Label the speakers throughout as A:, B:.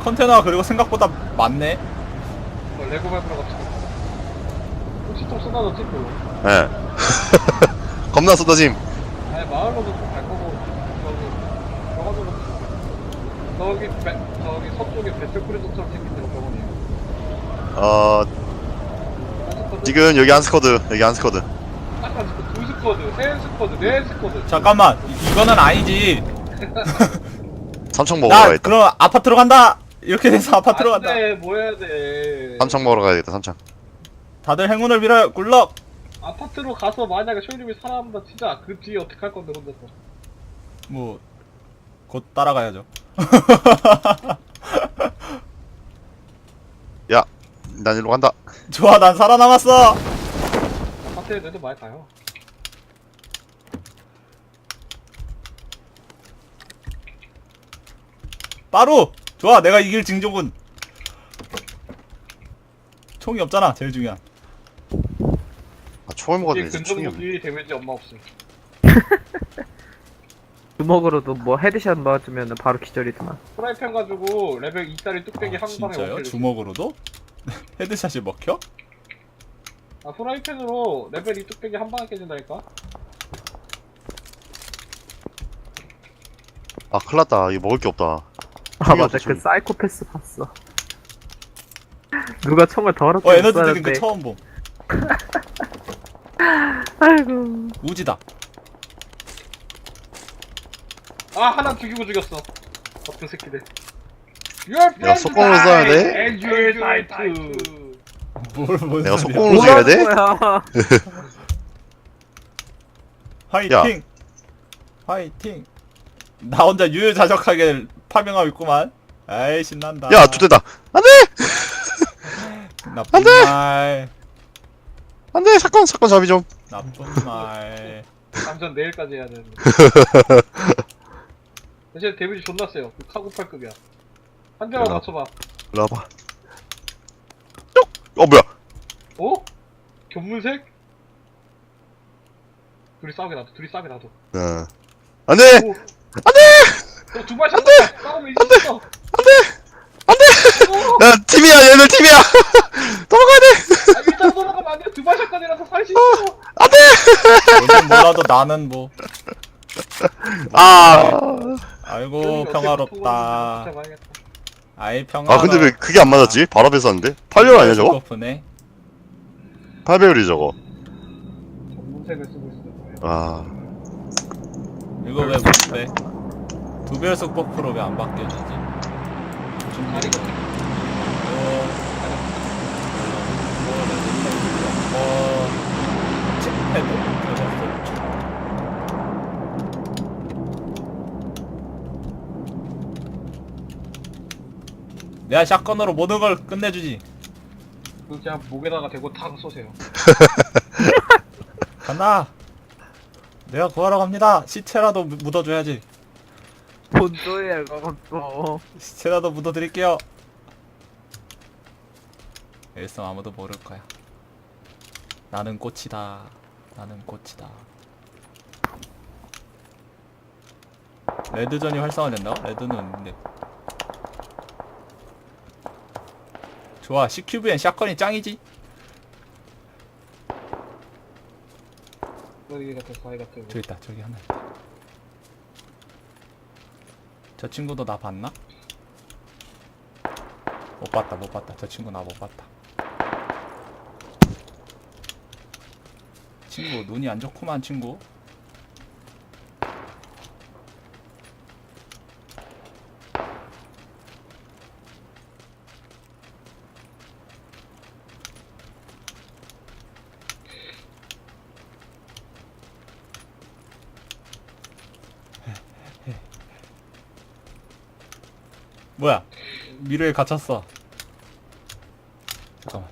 A: 컨테너가 그리고 생각보다 많네.
B: 레고 밟으러 갑시다. 혹시 또 쏟아졌지 또?
C: 예. 겁나 쏟아짐.
B: 아니 마을로도 좀 갈 거고 저기 저기 서쪽에 배틀크루즈처럼 생긴 데로 병원이에요.
C: 지금 여기 한 스쿼드, 여기 한 스쿼드.
B: 딱한 스쿼드, 두 스쿼드, 세 스쿼드, 네 스쿼드.
A: 잠깐만, 이거는 아니지.
C: 삼청 먹으러
A: 나
C: 가야겠다.
A: 그럼 아파트로 간다. 이렇게 돼서 아파트로 간다.
B: 안돼, 뭐 해야 돼?
C: 삼청 먹으러 가야겠다, 삼청.
A: 다들 행운을 빌어요. 굴럭.
B: 아파트로 가서 만약에 쇼님이 살아남다 치자. 그 뒤에 어떻게 할 건데 혼자서?
A: 뭐 곧 따라가야죠.
C: 야, 난 일로 간다.
A: 좋아, 난 살아남았어.
B: 아파트에 애들 많이 가요.
A: 빠루. 좋아, 내가 이길 징조군. 총이 없잖아, 제일 중요한.
C: 아, 총을 먹어도
B: 이게
C: 되지, 총이 없네.
B: 근접무기 데미지 엄마 없음.
D: 주먹으로도 뭐 헤드샷 맞으면 바로 기절이더만.
B: 프라이팬 가지고 레벨 2짜리 뚝배기
A: 아,
B: 한 방에
A: 진짜요?
B: 원킬을
A: 주먹으로도? 헤드샷이 먹혀?
B: 아 프라이팬으로 레벨 2 뚝배기 한 방에 깨진다니까?
C: 아, 큰일났다. 이거 먹을 게 없다.
D: 아
C: 총이
D: 맞아,
C: 없어,
D: 그
C: 총이.
D: 사이코패스 봤어. 누가 총을 더럽게
A: 에너지 드링크
D: 쐈는데.
A: 처음 봄.
D: 아이고.
A: 우지다.
B: 아 하나 죽이고 죽였어. 어떤 새끼들.
C: 야, 속공으로 쏴야 돼?
B: 엔듀얼 사이트.
A: 뭔
C: 내가
A: 소리야.
C: 속공으로 쏴야 돼?
D: 뭐야?
A: 화이팅! 화이팅! 나 혼자 유유자적하게 파병하고 있구만. 아이 신난다.
C: 야, 두대다. 안 돼!
A: 나쁜
C: 안 돼!
A: 말.
C: 안 돼! 사건 잡이 좀.
A: 나쁜 말.
B: 감전 내일까지 해야 되는데. 대신 데미지 존나 세요. 그 카고팔급이야. 한 대만
C: 일로 와.
B: 맞춰봐.
C: 일로 와봐. 쪽! 뭐야?
B: 어? 견문색? 둘이 싸우게 놔둬. 둘이 싸우게 놔둬.
C: 안 돼!
B: 오. 안 돼! 너두발 샷다. 싸우면 이겼어.
C: 야, 팀이야, 얘들 팀이야! 도망가야 돼!
B: 아, 일단 돌아가면 안 돼. 두발 샷건이라서 살 수 있어.
C: 안 돼!
A: 뭔지 몰라도 나는 뭐.
C: 아.
A: 아이고 평화롭다. 아이 평화.
C: 아, 근데 왜 그게 안 맞았지? 바로 앞에 쐈는데? 8별 아니야, 저거?
A: 네
C: 8배율이 저거.
B: 견문색을 쓰고 있어.
C: 아.
A: 이거 왜 못 빼? 두 배속 버프로 왜 안 바뀌어지지?
B: 다리 같은
A: 칩패드? 내가 샷건으로 모든 걸 끝내주지.
B: 그 그냥 목에다가 대고 탁 쏘세요.
A: 간다. 내가 구하러 갑니다. 시체라도 묻어줘야지.
D: 뭔 소리야 그것도.
A: 시체라도 묻어드릴게요. 일성 아무도 모를 거야. 나는 꽃이다. 나는 꽃이다. 레드전이 활성화된다고? 레드는 있는데. 좋아, CQV엔 샷건이 짱이지?
B: 거기 같은 사이 같은.
A: 저기 있다, 저기 하나 있다. 저 친구도 나 봤나? 못 봤다, 못 봤다. 저 친구 나 못 봤다. 친구, 눈이 안 좋구만, 친구. 뭐야? 미래에 갇혔어. 잠깐만.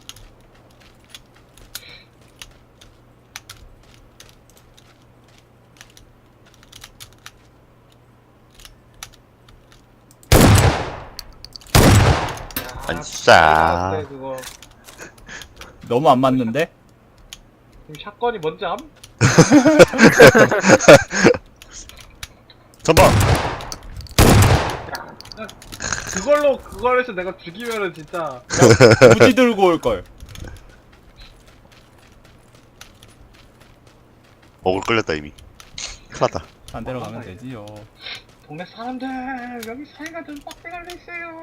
C: 아싸.
B: 그거.
A: 너무 안 맞는데?
B: 지금 샷건이 뭔지 암?
C: 전방.
B: 그걸 해서 내가 죽이면은 진짜.
A: 굳이 들고 올걸.
C: 어글 끌렸다 이미. 큰일났다.
A: 딴 데로 가면 되지요.
B: 동네 사람들 여기 사이가 좀 빡빡하게 있어요.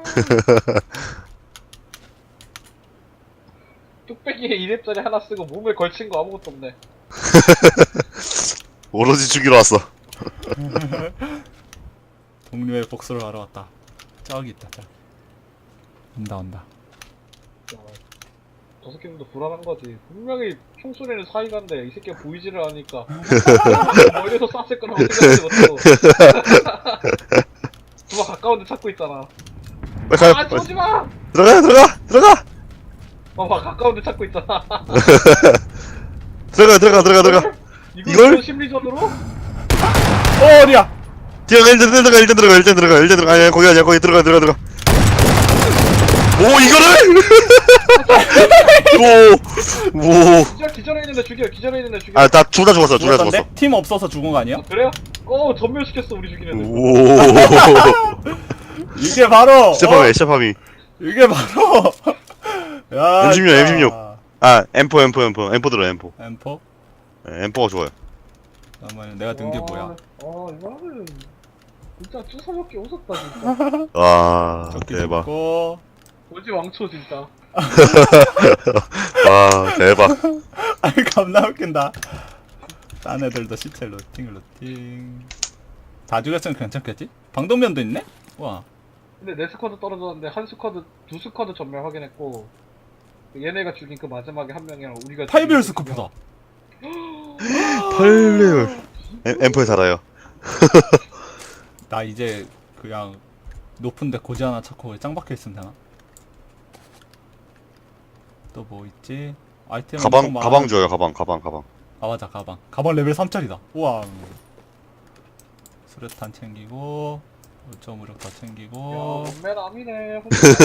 B: 뚝배기에 2렙짜리 하나 쓰고 몸에 걸친 거 아무것도 없네.
C: 오로지 죽이러 왔어.
A: 동료의 복수를 하러 왔다. 저기 있다. 저기. 온다.
B: 야, 저 새끼들도 불안한 거지. 분명히 총소리는 사이가인데 이 새끼가 보이지를 않으니까 멀리서 쐈을 거라고 생각하지 못하고 누가 가까운 데 찾고 있잖아.
C: 빨리 가요.
B: 아, 쏘지 마!
C: 들어가.
B: 봐봐, 가까운 데 찾고 있잖아.
C: 들어가. 이걸?
B: 심리전으로?
A: 어디야?
C: 일단 들어가. 아니야, 거기 아니야. 거기 들어가. 오, 이거를? 오.
B: 기절해 있는데 죽여.
C: 아, 나 둘 다 죽었어.
A: 죽었던데? 팀 없어서 죽은 거 아니야?
B: 아, 그래요? 전멸시켰어, 우리 죽이는 애.
C: 오.
A: 이게 바로
C: 시작함이.
A: 이게 바로 야,
C: M16.
A: 진짜.
C: 아, M4 들어, M4.
A: M4?
C: 네, M4가 좋아요.
A: 잠깐만, 내가 든 게 뭐야?
B: 이거는 진짜 주사먹기 웃었다, 진짜.
C: 와,
A: 적기
C: 대박.
A: 좋고.
B: 오지 왕초, 진짜.
C: 와, 대박.
A: 아니, 겁나 웃긴다. 딴 애들도 시체 루팅. 다 죽였으면 괜찮겠지? 방독면도 있네? 와.
B: 근데 네 스쿼드 떨어졌는데 두 스쿼드 전멸 확인했고 얘네가 죽인 그 마지막에 한 명이랑 우리가
A: 8배율 스코프다.
C: 8레벨. M4에 살아요.
A: 나 이제 그냥 높은데 고지 하나 찾고 짱 박혀 있으면 되나? 또 뭐 있지? 아이템
C: 가방 줘요, 가방.
A: 아 맞아, 가방 레벨 3짜리다. 우와. 수류탄 챙기고 5.5력 더 챙기고.
B: 몸매남이네.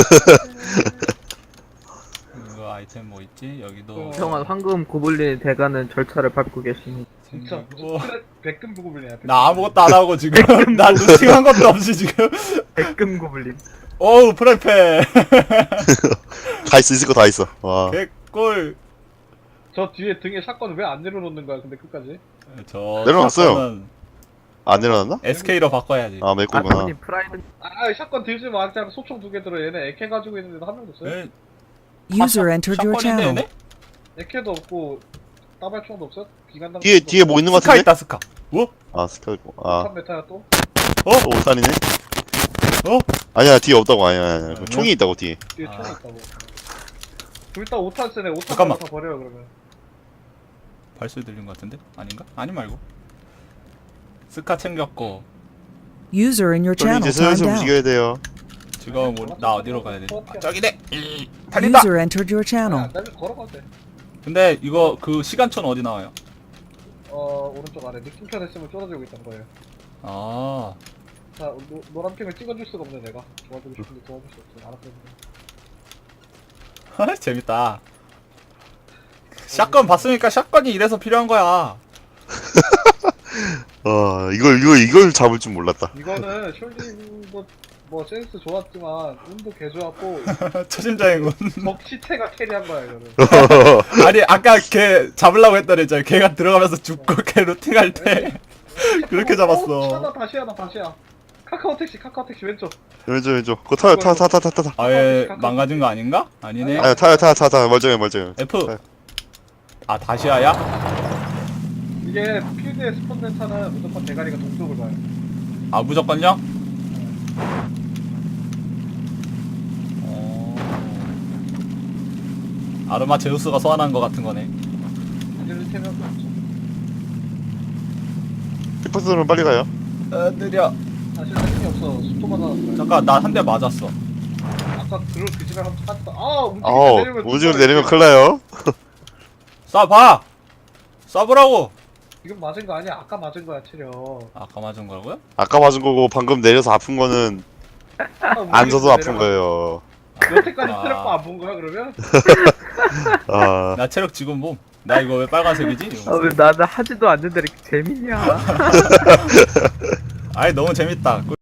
A: 이거 아이템 뭐 있지? 여기도
D: 평안 황금 고블린 대가는 절차를 밟고 계십니다.
B: 진짜
A: 챙기고.
B: 백금 부고블리야.
A: 나 아무것도 안 하고 지금 나 루팅한 것도 없이 지금.
D: 백금 고블린.
A: 어우 프라이팬.
C: 다 있어, 있을 거 다 있어. 와.
A: 개꿀.
B: 저 뒤에 등에 샷건 왜 안 내려놓는 거야? 근데 끝까지?
A: 저
C: 내려놨어요.
A: 샷건은
C: 안 내려놨나?
A: SK로 바꿔야지.
C: 아, 메꾸구나.
D: 아토님 프라이드.
B: 샷건 들지 마. 그냥 소총 2개 들어. 얘네 AK 가지고 있는데도 한 명도 없어요.
A: 에?
E: User entered your
A: 샷건인데
E: channel.
A: 얘네?
B: AK도 없고 따발총도 없어? 기관당
C: 뒤에 뭐 있는 거
A: 스카
C: 같은데?
A: 있다 스카. 어?
C: 아, 스카 있고. 아,
B: 탄 메타야 또?
C: 또 5탄이네?
A: 어?
C: 아니야, 뒤에 없다고. 아니야.
A: 아니야?
C: 총이 있다고, 뒤에.
B: 뒤에
A: 아.
B: 총이 있다고. 둘 다 5탄 쓰네. 5탄
A: 잠깐만.
B: 다 버려요 그러면.
A: 발소리 들린 것 같은데? 아닌가? 아니 말고. 스카 챙겼고.
E: User in your
C: 좀
E: channel
C: 이제 슬슬
E: timed out.
C: 움직여야 돼요.
A: 지금 나 어디로 가야 돼? 아, 저기네. 달린다.
E: User entered your channel.
B: 안 달면 걸어가도 돼.
A: 근데 이거 그 시간초는 어디 나와요?
B: 오른쪽 아래 느낌표 됐으면 쫄아주고 있던 거예요.
A: 아.
B: 자, 노란 핑을 찍어줄 수가 없네 내가. 도와주고 싶은데 도와줄 수 없어. 알았어.
A: 재밌다. 샷건 봤으니까 샷건이 이래서 필요한 거야.
C: 이걸 잡을 줄 몰랐다.
B: 이거는 숄딩도 뭐 센스 좋았지만 운도 개 좋았고
A: 초심자행운.
B: 적 시체가 캐리한 거야 이거는.
A: 아니 아까 걔 잡으려고 했더니 저 걔가 들어가면서 죽고 걔 루팅할 때 그렇게 잡았어.
B: 다시야. 카카오 택시 왼쪽.
C: 왼쪽. 그거 타요, 타.
A: 아예 망가진 거 아닌가? 아니네.
C: 아니, 타요. 멀쩡해.
A: F. 아 다시아야?
B: 이게 필드에 스폰된 차는 무조건 대가리가 동쪽을 가요.
A: 아 무조건요? 아르마 제우스가 소환한 거 같은 거네.
B: 이제는 3명도 없죠.
C: 피퍼스는 빨리 가요.
A: 느려.
B: 사실 할 힘이 없어. 속도만 나왔어요.
A: 잠깐 나 한 대 맞았어.
B: 아까 그 집에 한번 찾다.
C: 우주로 내리면 큰일 나요.
A: 쏴봐. 쏴보라고.
B: 지금 맞은 거 아니야? 아까 맞은 거야 체력.
A: 아까 맞은 거라고요?
C: 아까 맞은 거고, 방금 내려서 아픈 거는 안 서도 아픈 거예요.
B: 여태까지
A: 아.
B: 체력도 안 본 거야 그러면?
C: 아,
A: 나 체력 지금 뭐? 나 이거 왜 빨간색이지?
D: 아 왜 나는 하지도 않는데 이렇게 재밌냐?
A: 아이 너무 재밌다.